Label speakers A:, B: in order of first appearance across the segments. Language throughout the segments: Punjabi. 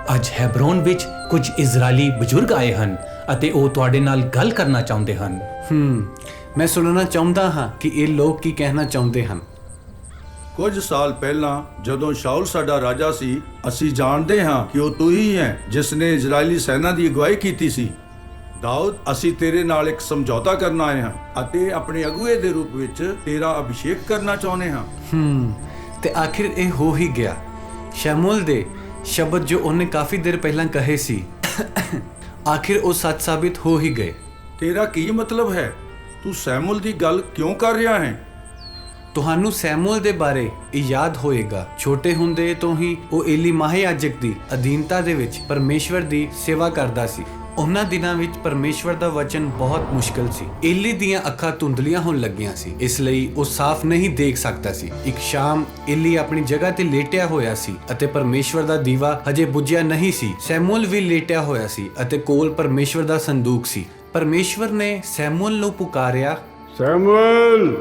A: ਅੱਜ ਹੈਬਰੋਨ ਵਿੱਚ ਕੁਝ ਇਜ਼ਰਾਈਲੀ ਬਜ਼ੁਰਗ ਆਏ ਹਨ ਅਤੇ ਉਹ ਤੁਹਾਡੇ ਨਾਲ ਗੱਲ ਕਰਨਾ ਚਾਹੁੰਦੇ ਹਨ।
B: ਮੈਂ ਸੁਣਨਾ ਚਾਹੁੰਦਾ ਹਾਂ ਕਿ ਇਹ ਲੋਕ ਕੀ ਕਹਿਣਾ ਚਾਹੁੰਦੇ ਹਨ।
C: ਕੁਝ ਸਾਲ ਪਹਿਲਾਂ ਜਦੋਂ ਸ਼ਾਉਲ ਸਾਡਾ ਰਾਜਾ ਸੀ, ਅਸੀਂ ਜਾਣਦੇ ਹਾਂ ਕਿ ਉਹ ਤੂੰ ਹੀ ਹੈ ਜਿਸ ਨੇ ਇਜ਼ਰਾਈਲੀ ਸੈਨਾ ਦੀ ਅਗਵਾਈ ਕੀਤੀ ਸੀ। ਦਾਊਦ, ਅਸੀਂ ਤੇਰੇ ਨਾਲ ਇੱਕ ਸਮਝੌਤਾ ਕਰਨ ਆਏ ਹਾਂ ਅਤੇ ਆਪਣੇ ਅਗੁਏ ਦੇ ਰੂਪ ਵਿੱਚ ਤੇਰਾ ਅਭਿਸ਼ੇਕ ਕਰਨਾ ਚਾਹੁੰਦੇ ਹਾਂ।
B: ਤੇ ਆਖਿਰ ਇਹ ਹੋ ਹੀ ਗਿਆ। ਸ਼ਮੂਏਲ ਦੇ ਸ਼ਬਦ ਜੋ ਉਹਨੇ ਕਾਫੀ ਦੇਰ ਪਹਿਲਾਂ ਕਹੇ ਸੀ ਆਖਿਰ ਉਹ ਸੱਚ ਸਾਬਿਤ ਹੋ ਹੀ ਗਏ।
C: ਤੇਰਾ ਕੀ ਮਤਲਬ ਹੈ? ਤੂੰ ਸ਼ਮੂਏਲ ਦੀ ਗੱਲ ਕਿਉਂ ਕਰ ਰਿਹਾ ਹੈ?
B: ਤੁਹਾਨੂੰ ਸ਼ਮੂਏਲ ਦੇ ਬਾਰੇ ਇਹ ਯਾਦ ਹੋਏਗਾ, ਛੋਟੇ ਹੁੰਦੇ ਤੋਂ ਹੀ ਉਹ ਏਲੀ ਮਹਾਯਾਜਕ ਦੀ ਅਧੀਨਤਾ ਦੇ ਵਿੱਚ ਪਰਮੇਸ਼ਵਰ ਦੀ ਸੇਵਾ ਕਰਦਾ ਸੀ। ਉਹਨਾਂ ਦਿਨਾਂ ਵਿੱਚ ਪਰਮੇਸ਼ਵਰ ਦਾ ਵਚਨ ਬਹੁਤ ਮੁਸ਼ਕਲ ਸੀ। ਏਲੀ ਦੀਆਂ ਅੱਖਾਂ ਧੁੰਦਲੀਆਂ ਹੋਣ ਲੱਗੀਆਂ ਸੀ, ਇਸ ਲਈ ਉਹ ਸਾਫ਼ ਨਹੀਂ ਦੇਖ ਸਕਦਾ ਸੀ। ਇੱਕ ਸ਼ਾਮ ਏਲੀ ਆਪਣੀ ਜਗ੍ਹਾ ਤੇ ਲੇਟਿਆ ਹੋਇਆ ਸੀ ਅਤੇ ਪਰਮੇਸ਼ਵਰ ਦਾ ਦੀਵਾ ਹਜੇ ਬੁਝਿਆ ਨਹੀਂ ਸੀ। ਸ਼ਮੂਏਲ ਵੀ ਲੇਟਿਆ ਹੋਇਆ ਸੀ ਅਤੇ ਕੋਲ ਪਰਮੇਸ਼ਵਰ ਦਾ ਸੰਦੂਕ ਸੀ। ਪਰਮੇਸ਼ਵਰ ਨੇ ਸ਼ਮੂਏਲ ਨੂੰ ਪੁਕਾਰਿਆ,
D: ਸ਼ਮੂਏਲ,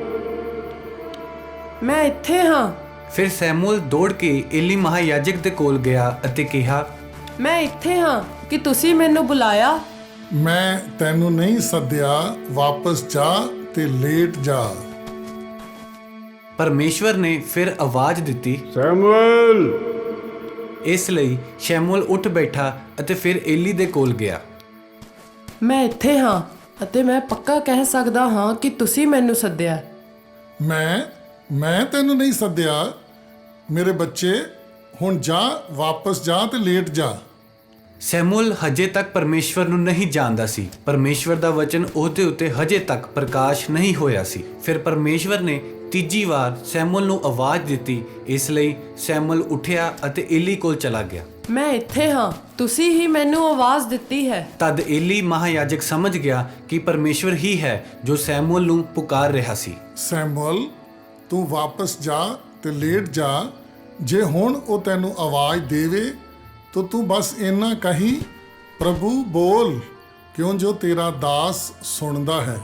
E: ਮੈਂ ਇੱਥੇ ਹਾਂ।
B: ਫਿਰ ਸ਼ਮੂਏਲ ਦੌੜ ਕੇ ਏਲੀ ਮਹਾਯਾਜਕ ਦੇ ਕੋਲ ਗਿਆ ਅਤੇ ਕਿਹਾ,
E: ਮੈਂ ਇੱਥੇ ਹਾਂ ਕਿ ਤੁਸੀਂ ਮੈਨੂੰ ਬੁਲਾਇਆ।
F: ਮੈਂ ਤੈਨੂੰ ਨਹੀਂ ਸੱਦਿਆ, ਵਾਪਸ ਜਾ ਤੇ ਲੇਟ ਜਾ।
B: ਪਰਮੇਸ਼ਵਰ ਨੇ ਫਿਰ ਆਵਾਜ਼ ਦਿੱਤੀ,
D: ਸ਼ਮੂਏਲ।
B: ਇਸ ਲਈ ਸ਼ਮੂਏਲ ਉੱਠ ਬੈਠਾ ਅਤੇ ਫਿਰ ਏਲੀ ਦੇ ਕੋਲ ਗਿਆ।
E: ਮੈਂ ਇੱਥੇ ਹਾਂ ਅਤੇ ਮੈਂ ਪੱਕਾ ਕਹਿ ਸਕਦਾ ਹਾਂ ਕਿ ਤੁਸੀਂ ਮੈਨੂੰ ਸੱਦਿਆ।
F: ਮੈਂ ਤੈਨੂੰ ਨਹੀਂ ਸੱਦਿਆ। ਮੇਰੇ ਬੱਚੇ, ਹੁਣ ਜਾ, ਵਾਪਸ ਜਾ ਤੇ ਲੇਟ ਜਾ।
B: ਸ਼ਮੂਏਲ ਹਜੇ ਤੱਕ ਪਰਮੇਸ਼ਵਰ ਨੂੰ ਨਹੀਂ ਜਾਣਦਾ ਸੀ। ਪਰਮੇਸ਼ਵਰ ਦਾ ਵਚਨ ਉਹਦੇ ਉੱਤੇ ਹਜੇ ਤੱਕ ਪ੍ਰਕਾਸ਼ ਨਹੀਂ ਹੋਇਆ ਸੀ। ਫਿਰ ਪਰਮੇਸ਼ਵਰ ਨੇ ਤੀਜੀ ਵਾਰ ਸ਼ਮੂਏਲ ਨੂੰ ਆਵਾਜ਼ ਦਿੱਤੀ। ਇਸ ਲਈ ਸ਼ਮੂਏਲ ਉੱਠਿਆ ਅਤੇ ਏਲੀ ਕੋਲ ਚਲਾ ਗਿਆ।
E: ਮੈਂ ਇੱਥੇ ਹਾਂ, ਤੁਸੀਂ ਹੀ ਮੈਨੂੰ ਆਵਾਜ਼ ਦਿੱਤੀ ਹੈ।
B: ਤਦ ਏਲੀ ਮਹਾਯਾਜਕ ਸਮਝ ਗਿਆ ਕਿ ਪਰਮੇਸ਼ਵਰ ਹੀ ਹੈ ਜੋ ਸ਼ਮੂਏਲ ਨੂੰ ਪੁਕਾਰ ਰਿਹਾ ਸੀ।
F: ਸ਼ਮੂਏਲ, ਤੂੰ ਵਾਪਸ ਜਾ ਤੇ ਲੇਟ ਜਾ। ਜੇ ਹੁਣ ਉਹ ਤੈਨੂੰ ਆਵਾਜ਼ ਦੇਵੇ ਤਾਂ ਤੂੰ ਬਸ ਇੰਨਾ ਕਹੀਂ, ਪ੍ਰਭੂ ਬੋਲ, ਕਿਉਂ ਜੋ ਤੇਰਾ ਦਾਸ ਸੁਣਦਾ ਹੈ।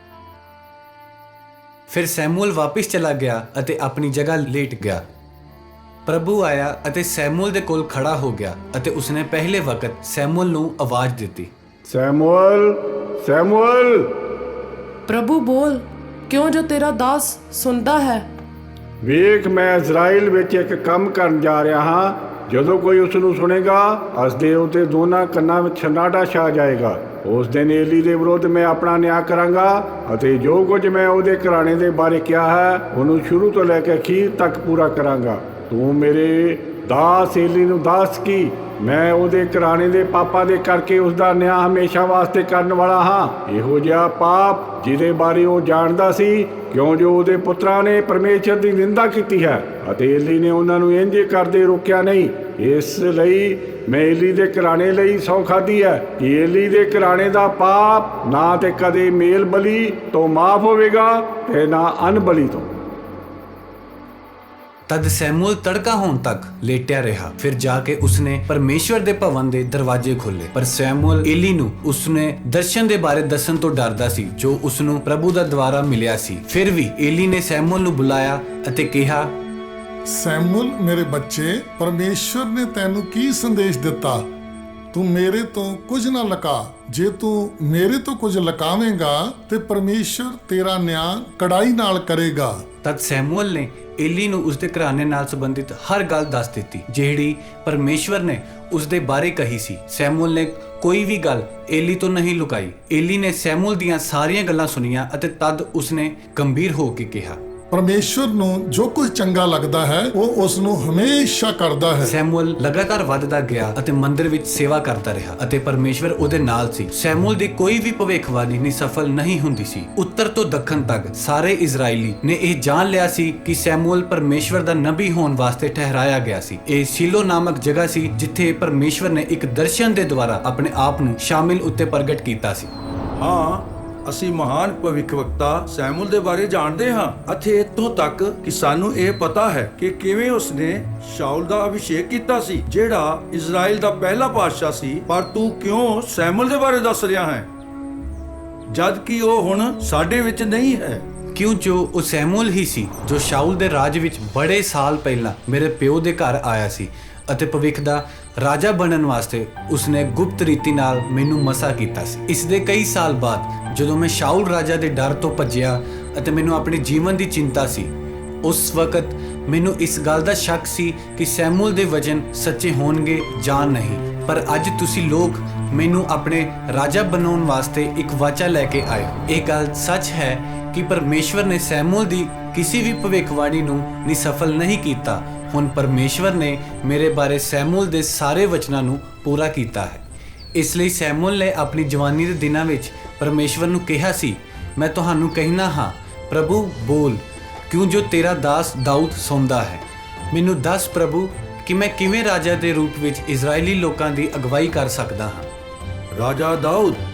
B: ਫਿਰ ਸ਼ਮੂਏਲ ਵਾਪਸ ਚਲਾ ਗਿਆ ਅਤੇ ਆਪਣੀ ਜਗ੍ਹਾ ਲੇਟ ਗਿਆ। ਪ੍ਰਭੂ ਆਇਆ ਅਤੇ ਸ਼ਮੂਏਲ ਦੇ ਕੋਲ ਖੜਾ ਹੋ ਗਿਆ ਅਤੇ ਉਸਨੇ ਪਹਿਲੇ ਵਕਤ ਸ਼ਮੂਏਲ ਨੂੰ ਆਵਾਜ਼ ਦਿੱਤੀ,
D: ਸ਼ਮੂਏਲ, ਸ਼ਮੂਏਲ।
E: ਪ੍ਰਭੂ ਬੋਲ, ਕਿਉਂ ਜੋ ਤੇਰਾ ਦਾਸ ਸੁਣਦਾ ਹੈ।
D: ਵੇਖ, ਮੈਂ ਇਜ਼ਰਾਈਲ ਵਿੱਚ ਇੱਕ ਕੰਮ ਕਰਨ ਜਾ ਰਿਹਾ ਹਾਂ। ਜਦੋਂ ਕੋਈ ਉਸ ਨੂੰ ਸੁਣੇਗਾ, ਉਸਦੇ ਉੱਤੇ ਦੋਨਾਂ ਕੰਨਾਂ ਵਿੱਚ ਸਨਾਟਾ ਛਾ ਜਾਏਗਾ। ਉਸ ਦਿਨ ਏਲੀ ਦੇ ਵਿਰੁੱਧ ਮੈਂ ਆਪਣਾ ਨਿਆਂ ਕਰਾਂਗਾ ਅਤੇ ਜੋ ਕੁਝ ਮੈਂ ਉਹਦੇ ਘਰਾਣੇ ਦੇ ਬਾਰੇ ਕਿਹਾ ਹੈ ਉਹਨੂੰ ਸ਼ੁਰੂ ਤੋਂ ਲੈ ਕੇ ਅਖੀਰ ਤੱਕ ਪੂਰਾ ਕਰਾਂਗਾ। ਤੂੰ ਮੇਰੇ ਦਾਸ ਏਲੀ ਨੂੰ ਦੱਸ ਕਿ ਮੈਂ ਉਹਦੇ ਘਰਾਣੇ ਦੇ ਪਾਪਾਂ ਦੇ ਕਰਕੇ ਉਸ ਦਾ ਨਿਆਂ ਹਮੇਸ਼ਾ ਵਾਸਤੇ ਕਰਨ ਵਾਲਾ ਹਾਂ। ਇਹੋ ਜਿਹਾ ਪਾਪ ਜਿਹਦੇ ਬਾਰੇ ਉਹ ਜਾਣਦਾ ਸੀ, ਕਿਉਂ ਜੋ ਉਹਦੇ ਪੁੱਤਰਾਂ ਨੇ ਪਰਮੇਸ਼ਰ ਦੀ ਨਿੰਦਾ ਕੀਤੀ ਹੈ ਅਤੇ ਏਲੀ ਨੇ ਉਹਨਾਂ ਨੂੰ ਇੰਝ ਕਰਦੇ ਰੋਕਿਆ ਨਹੀਂ। ਇਸ ਲਈ ਮੈਂ ਏਲੀ ਦੇ ਘਰਾਣੇ ਲਈ ਸਹੁੰ ਖਾਧੀ ਹੈ ਕਿ ਏਲੀ ਦੇ ਘਰਾਣੇ ਦਾ ਪਾਪ ਨਾ ਤੇ ਕਦੇ ਮੇਲ ਬਲੀ ਤੋਂ ਮਾਫ ਹੋਵੇਗਾ ਤੇ ਨਾ ਅਨ ਬਲੀ ਤੋਂ।
B: ਤਦ ਸ਼ਮੂਏਲ ਤੜਕਾ ਹੋਣ ਤੱਕ ਲੇਟਿਆ ਰਿਹਾ। ਫਿਰ ਜਾ ਕੇ ਉਸਨੇ ਪਰਮੇਸ਼ਵਰ ਦੇ ਭਵਨ ਦੇ ਦਰਵਾਜ਼ੇ ਖੋਲ੍ਹੇ। ਪਰ ਸ਼ਮੂਏਲ ਏਲੀ ਨੂੰ ਉਸਨੇ ਦਰਸ਼ਨ ਦੇ ਬਾਰੇ ਦੱਸਣ ਤੋਂ ਡਰਦਾ ਸੀ ਜੋ ਉਸਨੂੰ ਪ੍ਰਭੂ ਦਾ ਦੁਆਰਾ ਮਿਲਿਆ ਸੀ। ਫਿਰ ਵੀ ਏਲੀ ਨੇ ਸ਼ਮੂਏਲ ਨੂੰ ਬੁਲਾਇਆ ਅਤੇ ਕਿਹਾ,
F: ਸ਼ਮੂਏਲ, ਮੇਰੇ ਬੱਚੇ, ਪਰਮੇਸ਼ਵਰ ਨੇ ਤੈਨੂੰ ਕੀ ਸੰਦੇਸ਼ ਦਿੱਤਾ? ਤੂੰ ਮੇਰੇ ਤੋਂ ਕੁਝ ਨਾ ਲੁਕਾ। ਜੇ ਤੂੰ ਮੇਰੇ ਤੋਂ ਕੁਝ ਲੁਕਾਵੇਂਗਾ ਤੇ ਪਰਮੇਸ਼ਵਰ ਤੇਰਾ ਨਿਆਂ ਕੜਾਈ ਨਾਲ ਕਰੇਗਾ।
B: ਤਦ ਸ਼ਮੂਏਲ ਨੇ ਏਲੀ ਨੂੰ ਉਸਦੇ ਘਰਾਣੇ ਨਾਲ ਸੰਬੰਧਿਤ ਹਰ ਗੱਲ ਦੱਸ ਦਿੱਤੀ ਜਿਹੜੀ ਪਰਮੇਸ਼ਵਰ ਨੇ ਉਸਦੇ ਬਾਰੇ ਕਹੀ ਸੀ। ਸ਼ਮੂਏਲ ਨੇ ਕੋਈ ਵੀ ਗੱਲ ਏਲੀ ਤੋਂ ਨਹੀਂ ਲੁਕਾਈ। ਏਲੀ ਨੇ ਸ਼ਮੂਏਲ ਦੀਆਂ ਸਾਰੀਆਂ ਗੱਲਾਂ ਸੁਣੀਆਂ ਅਤੇ ਤਦ ਉਸਨੇ ਗੰਭੀਰ ਹੋ ਕੇ ਕਿਹਾ,
F: ਪਰਮੇਸ਼ਵਰ ਨੂੰ ਜੋ ਕੁਝ ਚੰਗਾ ਲੱਗਦਾ ਹੈ ਉਹ ਉਸ ਨੂੰ ਹਮੇਸ਼ਾ ਕਰਦਾ ਹੈ।
B: ਸ਼ਮੂਏਲ ਲਗਾਤਾਰ ਵੱਧਦਾ ਗਿਆ ਅਤੇ ਮੰਦਿਰ ਵਿੱਚ ਸੇਵਾ ਕਰਦਾ ਰਿਹਾ ਅਤੇ ਪਰਮੇਸ਼ਵਰ ਉਹਦੇ ਨਾਲ ਸੀ। ਸ਼ਮੂਏਲ ਦੀ ਕੋਈ ਵੀ ਭਵਿੱਖਬਾਣੀ ਨਿਸਫਲ ਨਹੀਂ ਹੁੰਦੀ ਸੀ। ਉੱਤਰ ਤੋਂ ਦੱਖਣ ਤੱਕ ਸਾਰੇ ਇਜ਼ਰਾਈਲੀ ਨੇ ਇਹ ਜਾਣ ਲਿਆ ਸੀ ਕਿ ਸ਼ਮੂਏਲ ਪਰਮੇਸ਼ਵਰ ਦਾ ਨਬੀ ਹੋਣ ਵਾਸਤੇ ਠਹਿਰਾਇਆ ਗਿਆ ਸੀ। ਇਹ ਸ਼ੀਲੋ ਨਾਮਕ ਜਗ੍ਹਾ ਸੀ ਜਿੱਥੇ ਪਰਮੇਸ਼ਵਰ ਨੇ ਇੱਕ ਦਰਸ਼ਨ ਦੇ ਦੁਆਰਾ ਆਪਣੇ ਆਪ ਨੂੰ ਸ਼ਾਮਿਲ ਉੱਤੇ ਪ੍ਰਗਟ ਕੀਤਾ ਸੀ।
C: ਹਾਂ, ਅਸੀਂ ਮਹਾਨ ਭਵਿੱਖਵਕਤਾ ਸ਼ਮੂਏਲ ਦੇ ਬਾਰੇ ਜਾਣਦੇ ਹਾਂ ਅਤੇ ਇੱਥੋਂ ਤੱਕ ਕਿ ਸਾਨੂੰ ਇਹ ਪਤਾ ਹੈ ਕਿ ਕਿਵੇਂ ਉਸਨੇ ਸ਼ਾਉਲ ਦਾ ਅਭਿਸ਼ੇਕ ਕੀਤਾ ਸੀ ਜਿਹੜਾ ਇਜ਼ਰਾਈਲ ਦਾ ਪਹਿਲਾ ਪਾਤਸ਼ਾਹ ਸੀ। ਪਰ ਤੂੰ ਕਿਉਂ ਸ਼ਮੂਏਲ ਦੇ ਬਾਰੇ ਦੱਸ ਰਿਹਾ ਹੈ ਜਦ ਕਿ ਉਹ ਹੁਣ ਸਾਡੇ ਵਿੱਚ ਨਹੀਂ ਹੈ?
B: ਕਿਉਂ ਜੋ ਉਹ ਸ਼ਮੂਏਲ ਹੀ ਸੀ ਜੋ ਸ਼ਾਉਲ ਦੇ ਰਾਜ ਵਿੱਚ ਬੜੇ ਸਾਲ ਪਹਿਲਾਂ ਮੇਰੇ ਪਿਓ ਦੇ ਘਰ ਆਇਆ ਸੀ ਅਤੇ ਭਵਿੱਖ ਦਾ ਰਾਜਾ ਬਣਨ ਵਾਸਤੇ ਉਸਨੇ ਗੁਪਤ ਰੀਤੀ ਨਾਲ ਮੈਨੂੰ ਮਸਾ ਕੀਤਾ ਸੀ। ਇਸ ਦੇ ਕਈ ਸਾਲ ਬਾਅਦ ਜਦੋਂ ਮੈਂ ਸ਼ਾਊਲ ਰਾਜਾ ਦੇ ਡਰ ਤੋਂ ਭੱਜਿਆ ਅਤੇ ਮੈਨੂੰ ਆਪਣੇ ਜੀਵਨ ਦੀ ਚਿੰਤਾ ਸੀ, ਉਸ ਵਕਤ ਮੈਨੂੰ ਇਸ ਗੱਲ ਦਾ ਸ਼ੱਕ ਸੀ ਕਿ ਸੈਮੂਅਲ ਦੇ ਵਚਨ ਸੱਚੇ ਹੋਣਗੇ ਜਾਂ ਨਹੀਂ। ਪਰ ਅੱਜ ਤੁਸੀਂ ਲੋਕ ਮੈਨੂੰ ਆਪਣੇ ਰਾਜਾ ਬਣਾਉਣ ਵਾਸਤੇ ਇੱਕ ਵਾਚਾ ਲੈ ਕੇ ਆਏ ਹੋ। ਇਹ ਗੱਲ ਸੱਚ ਹੈ ਕਿ ਪਰਮੇਸ਼ਵਰ ਨੇ ਸੈਮੂਅਲ ਦੀ ਕਿਸੇ ਵੀ ਭਵਿੱਖਬਾਣੀ ਨੂੰ ਨਿਸਫਲ ਨਹੀਂ ਕੀਤਾ। ਹੁਣ ਪਰਮੇਸ਼ਵਰ ਨੇ ਮੇਰੇ ਬਾਰੇ ਸੈਮੂਅਲ ਦੇ ਸਾਰੇ ਵਚਨਾਂ ਨੂੰ ਪੂਰਾ ਕੀਤਾ ਹੈ। ਇਸ ਲਈ ਸੈਮੂਅਲ ਨੇ ਆਪਣੀ ਜਵਾਨੀ ਦੇ ਦਿਨਾਂ ਵਿੱਚ ਪਰਮੇਸ਼ਵਰ ਨੂੰ ਕਿਹਾ ਸੀ, ਮੈਂ ਤੁਹਾਨੂੰ ਕਹਿਣਾ ਹਾਂ, ਪ੍ਰਭੂ ਬੋਲ, ਕਿਉਂ ਜੋ ਤੇਰਾ ਦਾਸ ਦਾਊਦ ਸੌਂਦਾ ਹੈ। ਮੈਨੂੰ ਦੱਸ ਪ੍ਰਭੂ ਕਿ ਮੈਂ ਕਿਵੇਂ ਰਾਜਾ ਦੇ ਰੂਪ ਵਿੱਚ ਇਜ਼ਰਾਈਲੀ ਲੋਕਾਂ ਦੀ ਅਗਵਾਈ ਕਰ ਸਕਦਾ ਹਾਂ।
C: ਰਾਜਾ ਦਾਊਦ